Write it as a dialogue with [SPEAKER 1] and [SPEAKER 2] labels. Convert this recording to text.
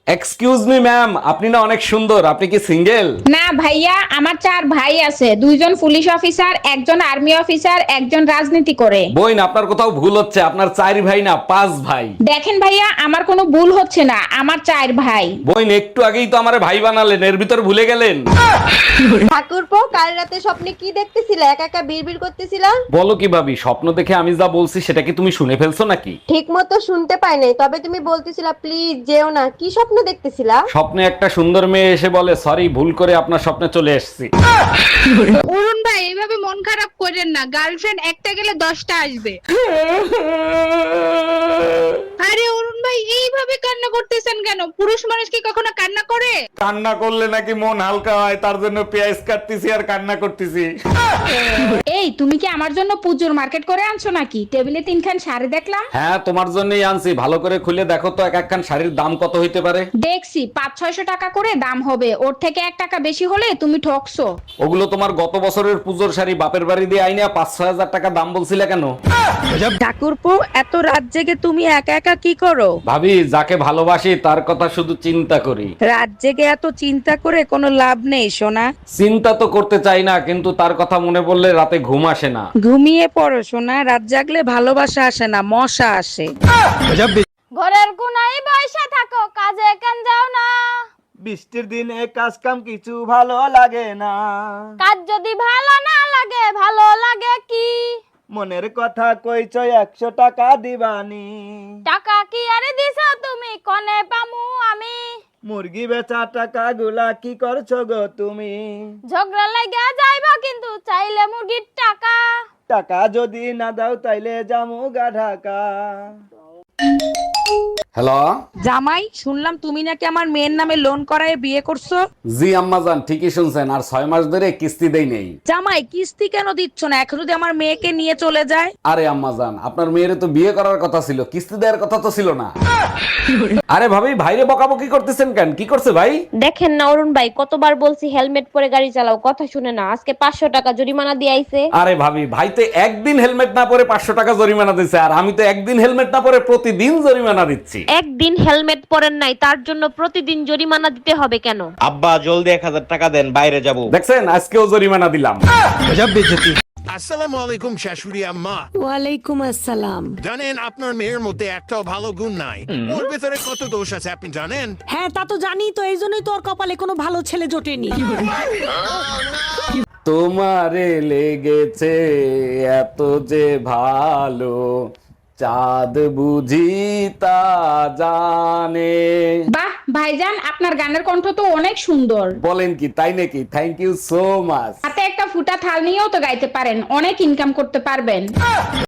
[SPEAKER 1] Excuse me ma'am, আপনি না অনেক সুন্দর, আপনি কি সিঙ্গেল?
[SPEAKER 2] না ভাইয়া, আমার 4 ভাই আছে, 2জন পুলিশ অফিসার, একজন আর্মি অফিসার, একজন রাজনীতি করে।
[SPEAKER 1] বইন, আপনার কোথাও ভুল হচ্ছে, আপনার 4 ভাই না 5 ভাই।
[SPEAKER 2] দেখেন ভাইয়া, আমার কোনো ভুল হচ্ছে না, আমার 4 ভাই।
[SPEAKER 1] বইন, একটু আগেই তো আমারে ভাই বানালেন, এর ভিতর ভুলে গেলেন।
[SPEAKER 3] ঠাকুরপো, কাল রাতে স্বপ্নে কি দেখতেছিলা? একা একা বিড়বিড় করতেছিলা?
[SPEAKER 1] বলো কি ভাবি, স্বপ্ন দেখে আমি যা বলছি সেটা কি তুমি শুনে ফেলছো নাকি?
[SPEAKER 3] ঠিক মতো শুনতে পাই নাই, তবে তুমি বলতেছিলা প্লিজ যেও না। কি স্বপ্ন দেখতেছিলা?
[SPEAKER 1] স্বপ্নে একটা সুন্দর মেয়ে এসে বলে, সরি, ভুল করে আপনার স্বপ্নে চলে এসেছি।
[SPEAKER 4] অরুণ ভাই, এইভাবে মন খারাপ করেন না, গার্লফ্রেন্ড একটা গেলে 10টা আসবে। আরে অরুণ ভাই, এইভাবে কান্না করতেছেন কেন? পুরুষ মানুষ কি কখনো কান্না করে?
[SPEAKER 1] কান্না করলে নাকি মন হালকা হয়, তার জন্য পেঁয়াজ কাটতেছি আর কান্না করতেছি।
[SPEAKER 2] এই, তুমি কি আমার জন্য পুজোর মার্কেট করে আনছো নাকি? টেবিলে 3খান শাড়ি দেখলাম।
[SPEAKER 1] হ্যাঁ, তোমার জন্যই আনছি, ভালো করে খুলে দেখো তো এক একখান শাড়ির দাম কত হইতে পারে।
[SPEAKER 2] দেখছি 500-600 টাকা করে দাম হবে, ওর থেকে 1 টাকা বেশি হলে তুমি ঠকছো।
[SPEAKER 1] ওগুলো তোমার গত বছরের পুজোর শাড়ি, বাপের বাড়ি দিয়ে আইনা 5-6 হাজার টাকা দাম বলছিলে কেন?
[SPEAKER 5] ঠাকুরপো, এত রাত জেগে তুমি একা একা কি করো?
[SPEAKER 1] ভাবি, যাকে ভালোবাসি তার কথা শুধু চিন্তা করি।
[SPEAKER 5] রাত জেগে এত চিন্তা করে কোনো লাভ নেই সোনা।
[SPEAKER 1] চিন্তা তো করতে চাই না, কিন্তু তার কথা মনে পড়লে রাতে ঘুম আসে না।
[SPEAKER 5] ঘুমিয়ে পড়ো সোনা, রাত জাগলে ভালোবাসা আসে না, মশা আসে।
[SPEAKER 3] ঘরের কোনায় বসে থাকো, কাজে কান যাও না।
[SPEAKER 6] বৃষ্টির দিনে কাজ কাম কিছু ভালো লাগে না।
[SPEAKER 3] কাজ যদি ভালো না লাগে, ভালো লাগে কি?
[SPEAKER 6] মনের কথা কইছ 100 টাকা দিবানি।
[SPEAKER 3] টাকা কি আরে দিছো তুমি, কনে পামু আমি?
[SPEAKER 6] মুরগি বেচা টাকা গুলা কি করছো গো তুমি?
[SPEAKER 3] ঝগড়া লাগা যাইবা কিন্তু চাইলে মুরগির টাকা।
[SPEAKER 6] টাকা যদি না দাও তাইলে জামু গা ঢাকা।
[SPEAKER 1] হ্যালো।
[SPEAKER 5] জামাই, শুনলাম তুমি নাকি আমার মেয়ের নামে লোন করায় বিয়ে করছো।
[SPEAKER 1] জি আম্মাজান, ঠিকই শুনছেন, আর 6 মাস ধরে কিস্তি দেই নেই।
[SPEAKER 5] জামাই, কিস্তি কেন দিচ্ছ না? এখন যদি আমার মেয়েকে নিয়ে চলে যায়।
[SPEAKER 1] আরে আম্মাজান, আপনার মেয়েরে তো বিয়ে করার কথা ছিল, কিস্তি দেওয়ার কথা তো ছিল না। আরে ভাবি, ভাইরে বকাবকি করতেছেন কেন? কি করছে ভাই?
[SPEAKER 7] দেখেন না অরুণ ভাই, কতবার বলছি হেলমেট পরে গাড়ি চালাও, কথা শুনে না। আজকে 500 টাকা জরিমানা দিয়ে আইছে।
[SPEAKER 1] আরে ভাবি, ভাই তো একদিন হেলমেট না পরে 500 টাকা জরিমানা দিচ্ছে, আর আমি তো একদিন হেলমেট না পরে প্রতিদিন জরিমানা দিচ্ছি।
[SPEAKER 7] একদিন হেলমেট পরেন নাই, তার জন্য প্রতিদিন জরিমানা দিতে হবে কেন?
[SPEAKER 8] আব্বা জলদি 1000 টাকা দেন, বাইরে যাব।
[SPEAKER 1] দেখছেন, আজকেও জরিমানা দিলাম।
[SPEAKER 9] আসসালামু আলাইকুম শাশুড়ি আম্মা।
[SPEAKER 10] ওয়ালাইকুম আসসালাম।
[SPEAKER 9] জানেন আপনার মেয়ের মধ্যে একটাও ভালো গুণ নাই। ওর ভেতরে কত দোষ আছে আপনি জানেন?
[SPEAKER 10] হ্যাঁ, তা তো জানি, তো এই জন্যই তোর কপালে কোনো ভালো ছেলে জোটেনি।
[SPEAKER 1] তোমারে লেগেছে এত যে ভালো, চাঁদ বুঝি তা জানে।
[SPEAKER 2] বাহ ভাইজান, আপনার গানের কণ্ঠ তো অনেক সুন্দর।
[SPEAKER 1] বলেন কি, তাই নাকি? Thank you so much.
[SPEAKER 2] হাতে একটা ফুটা থাল নিয়েও তো গাইতে পারেন, অনেক ইনকাম করতে পারবেন।